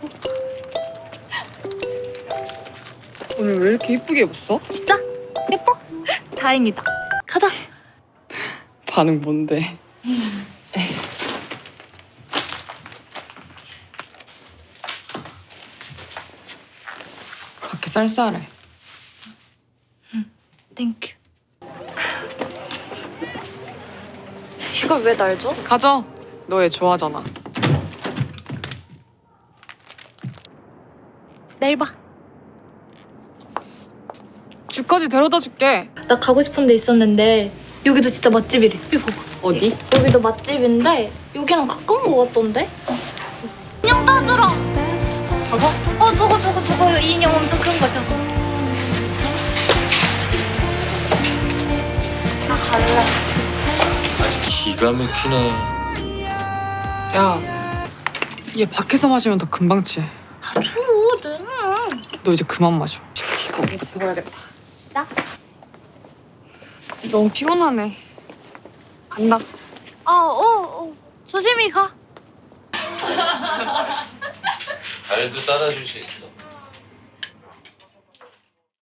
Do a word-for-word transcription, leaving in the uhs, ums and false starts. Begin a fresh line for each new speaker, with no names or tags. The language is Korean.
오늘 왜 이렇게 이쁘게 입었어?
진짜? 예뻐? 다행이다. 가자.
반응 뭔데? 밖에 쌀쌀해.
땡큐. 이걸 왜 날 줘?
가져. 너 얘 좋아하잖아.
내일 봐.
집까지 데려다 줄게.
나 가고 싶은 데 있었는데 여기도 진짜 맛집이래. 이거 봐봐.
어디?
여기도 맛집인데 여기랑 가까운 거 같던데? 인형 따주러.
저거?
어 저거 저거 저거 이 인형 엄청 큰 거 저거. 나 갈래.
아주 기가 막히네.
야, 얘 밖에서 마시면 더 금방 취해.
아 줘, 내놔.
너 이제 그만 마셔. 이거 먹어야겠다.
나?
너무 피곤하네. 간다.
아, 어, 어. 조심히 가.
발도 따라줄 수 있어.